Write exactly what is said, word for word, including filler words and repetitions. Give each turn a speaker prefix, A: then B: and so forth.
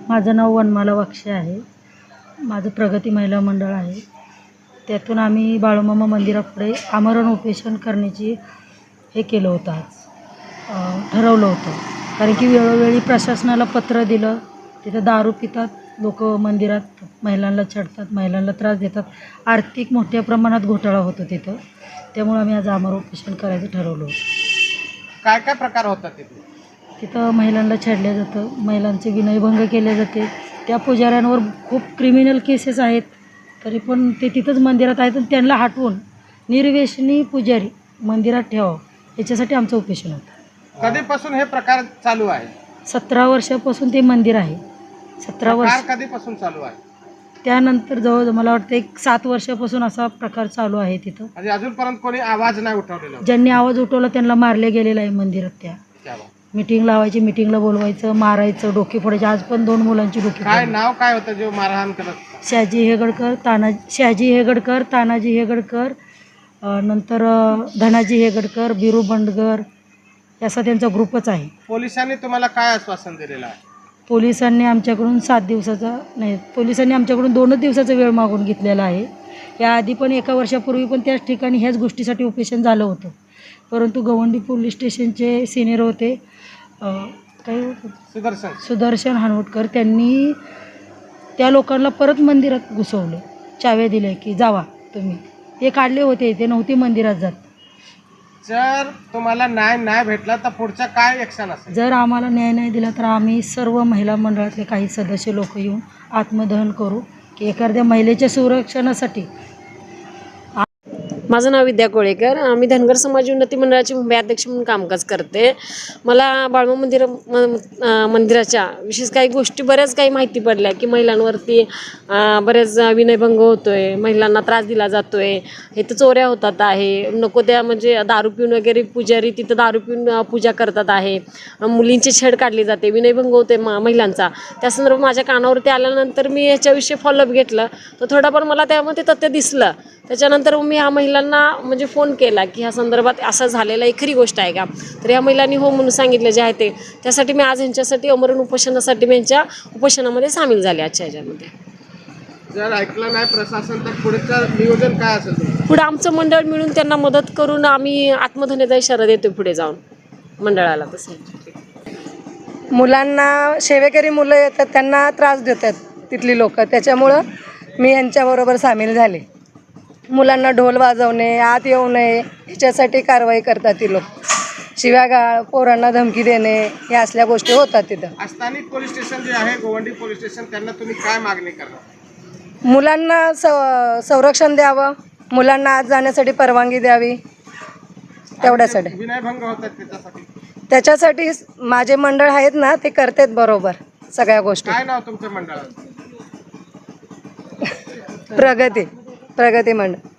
A: माझं नाव वनमाला वाक्षे आहे. माझं प्रगती महिला मंडळ आहे. त्यातून आम्ही बाळूमामा मंदिरापुढे आमरण उपोषण करण्याची हे केलं होतं, आज ठरवलं होतं. कारण की वेळोवेळी प्रशासनाला पत्र दिलं, तिथं दारू पितात लोक, मंदिरात महिलांना छेडतात, महिलांना त्रास देतात, आर्थिक मोठ्या प्रमाणात घोटाळा होतो तिथं. त्यामुळे आम्ही आज आमरण उपोषण करायचं ठरवलं होतं.
B: काय काय प्रकार होतात तिथे?
A: तिथं महिलांना छेडलं जातं, महिलांचे विनयभंग केले जाते. त्या पुजाऱ्यांवर खूप क्रिमिनल केसेस आहेत, तरी पण ते तिथंच मंदिरात आहेत. आणि त्यांना हटवून निर्व्यसनी पुजारी मंदिरात ठेवावं, याच्यासाठी आमचं उपोषण होतं.
B: कधीपासून हे प्रकार चालू आहे?
A: सतरा वर्षापासून ते मंदिर आहे. सतरा वर्ष
B: कधीपासून चालू आहे?
A: त्यानंतर जवळ मला वाटतं एक सात वर्षापासून असा प्रकार चालू आहे तिथं.
B: म्हणजे अजूनपर्यंत कोणी आवाज नाही उठवलेला?
A: ज्यांनी आवाज उठवला त्यांना मारले गेलेलं आहे मंदिरात. त्या मीटिंग लावायची, मीटिंगला बोलवायचं, मारायचं, डोके फोडायचे. आज पण दोन मुलांची डोके.
B: काय नाव काय होतं जो मारहाण करत?
A: शहाजी हेगडकर, ताना शहाजी हेगडकर, तानाजी हेगडकर, नंतर धनाजी हेगडकर, बिरू बंडगर, असा त्यांचा ग्रुपच आहे.
B: पोलिसांनी तुम्हाला काय आश्वासन दिलेलं आहे?
A: पोलिसांनी आमच्याकडून सात दिवसाचा नाही पोलिसांनी आमच्याकडून दोनच दिवसाचा वेळ मागून घेतलेला आहे. याआधी पण एका वर्षापूर्वी पण त्याच ठिकाणी ह्याच गोष्टीसाठी उपोषण झालं होतं. परंतु गवंडी पोलीस स्टेशनचे सिनियर होते, काही
B: सुदर्शन
A: सुदर्शन हानवटकर, त्यांनी त्या लोकांना परत मंदिरात घुसवलं, चाव्या दिल्या की जावा तुम्ही. ते काढले होते, ते नव्हते मंदिरात जात.
B: जर तुम्हाला न्याय नाही भेटला तर पुढचा काय ॲक्शन असेल?
A: जर आम्हाला न्याय नाही दिला तर आम्ही सर्व महिला मंडळातले काही सदस्य लोक येऊन आत्मदहन करू, की एखाद्या महिलेच्या संरक्षणासाठी.
C: माझं नाव विद्या कोळेकर. आम्ही धनगर समाज उन्नती मंडळाची मुंबई अध्यक्ष म्हणून कामकाज करते. मला बाळूमामा मंदिर मंदिराच्या विशेष काही गोष्टी बऱ्याच काही माहिती पडल्या, की महिलांवरती बरेच विनयभंग होतो आहे, महिलांना त्रास दिला जातो आहे, इथं चोऱ्या होतात आहे, नको त्या म्हणजे दारू पिऊन वगैरे पुजारी तिथं दारू पिऊन पूजा करतात आहे, मुलींची छेड काढली जाते, विनयभंग होते म महिलांचा. त्या संदर्भात माझ्या कानावरती आल्यानंतर मी याच्याविषयी फॉलोअप घेतलं, तर थोडंफार मला त्यामध्ये तथ्य दिसलं. त्याच्यानंतर मी ह्या महिलांना म्हणजे फोन केला की ह्या संदर्भात असं झालेलं आहे, खरी गोष्ट आहे का? तर या महिलांनी हो म्हणून सांगितलं जे आहे ते. त्यासाठी मी आज ह्यांच्यासाठी अमरण उपोषणासाठी मी यांच्या उपोषणामध्ये सामील झाले आजच्या ह्याच्यामध्ये.
B: जर ऐकलं नाही प्रशासन तर पुढचं नियोजन काय असेल?
C: पुढे आमचं मंडळ मिळून त्यांना मदत करून आम्ही आत्मधनेचा इशारा देतो पुढे जाऊन मंडळाला. तसं
D: मुलांना सेवेकरी मुलं येतात, त्यांना त्रास देतात तिथली लोक, त्याच्यामुळं मी यांच्याबरोबर सामील झाले. मुलांना ढोल वाजवणे, आत येऊ नये ह्याच्यासाठी कारवाई करतात ती लोक. शिव्यागाळ, पोरांना धमकी देणे, या असल्या गोष्टी होतात तिथं.
B: स्थानिक पोलीस स्टेशन जे आहे गोवंडी पोलीस स्टेशन, त्यांना तुम्ही काय मागणी करणार?
D: मुलांना संरक्षण द्यावं, मुलांना आत जाण्यासाठी परवानगी द्यावी, तेवढ्यासाठी.
B: विनयभंग होतात त्याच्यासाठी
D: त्याच्यासाठी माझे मंडळ आहेत ना, ते करतात बरोबर सगळ्या गोष्टी.
B: काय नाव तुमच्या मंडळाचं?
D: प्रगती प्रगती मंडळ.